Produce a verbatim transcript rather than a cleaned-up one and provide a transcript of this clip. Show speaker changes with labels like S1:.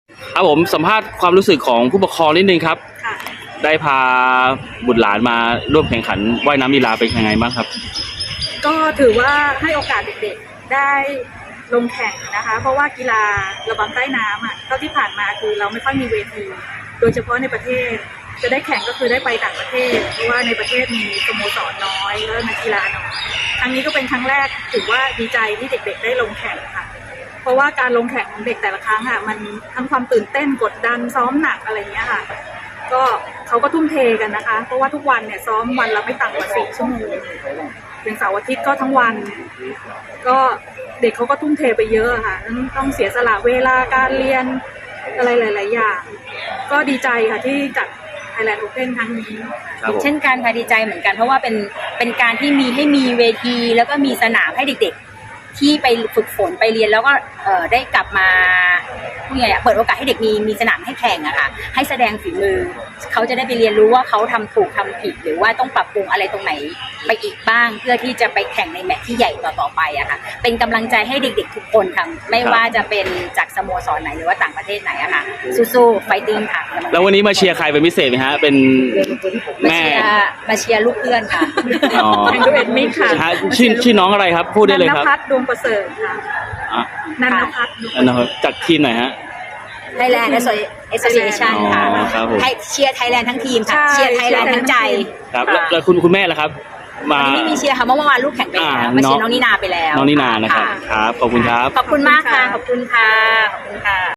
S1: ครับผมสัมภาษณ์ความรู้สึกของผู้ปกครองนิดนึงครับ
S2: ค่ะ
S1: ได้พาบุตรหลานมาร่วมแข่งขันว่ายน้ำลีลาเป็นยังไงบ้างครับ
S2: ก็ถือว่าให้โอกาสเด็กๆได้ลงแข่งนะคะ เพราะว่ากีฬาระบำใต้น้ำอ่ะเท่าที่ผ่านมาคือเราไม่ค่อยมีเวทีโดยเฉพาะในประเทศจะได้แข่งก็คือได้ไปต่างประเทศเพราะว่าในประเทศมีสโมสรน้อยแล้วนักกีฬาน้อยครั้งนี้ก็เป็นครั้งแรกถือว่าดีใจที่เด็กๆได้ลงแข่งค่ะเพราะว่าการลงแข่งของเด็กแต่ละครั้งอ่ะมันทั้งความตื่นเต้นกดดันซ้อมหนักอะไรเงี้ยค่ะก็เขาก็ทุ่มเทกันนะคะเพราะว่าทุกวันเนี่ยซ้อมวันละไม่ต่ำกว่าสี่ชั่วโมงอย่างเสาร์อาทิตย์ก็ทั้งวันก็เด็กเขาก็ทุ่มเทไปเยอะค่ะต้องเสียสละเวลาการเรียนอะไรหลายๆอย่างก็ดีใจค่ะที่จัด Thailand Open ครั้งนี้
S3: เช่นกันค่ะดีใจเหมือนกันเพราะว่าเป็นเป็นการที่มีให้มีเวทีแล้วก็มีสนามให้เด็กๆที่ไปฝึกฝนไปเรียนแล้วก็เอ่อได้กลับมาพูดไงอ่ะเปิดโอกาสให้เด็กมีมีสนามให้แข่งอะค่ะให้แสดงฝีมือเขาจะได้ไปเรียนรู้ว่าเขาทำถูกทำผิดหรือว่าต้องปรับปรุงอะไรตรงไหนไปอีกบ้างเพื่อที่จะไปแข่งในแมตช์ที่ใหญ่ต่อๆไปอะค่ะเป็นกำลังใจให้เด็กๆทุกคนค่ะไม่ว่าจะเป็นจากสโมสรไหนหรือว่าต่างประเทศไหนอะค่ะสู้ๆไฟติ้งค่ะ
S1: แล้ววันนี้มาเชียร์ใครเป็นพิเศษไหมฮะเป็นแม่
S3: มาเชียร์ลูกเพื่อนค่ะ
S2: แข่งดูเอ็ดมิกค่ะ
S1: ชื่อชื่อน้องอะไรครับพูดได้เลยครับ
S2: นันพัฒน์ดวงประเสริฐค่ะนันพัฒน์
S1: จากทีมไหนฮะ
S3: Thailand Association ค่ะเชียร์ไทยแลนด์ทั้งทีมค่ะเชียร์ไทยแลนด์ทั้งใจ
S1: ครับแล้วคุณคุณแม่ล่ะครับ
S3: มาไม่มีเชียร์ค่ะเมื่อวานลูกแข่งไปแล้วมาเชียร์น้องนินาไปแล้ว
S1: น้องนินานะครับครับขอบคุณครับ
S3: ขอบคุณมากค่ะขอบคุณค่ะขอบคุณค่ะ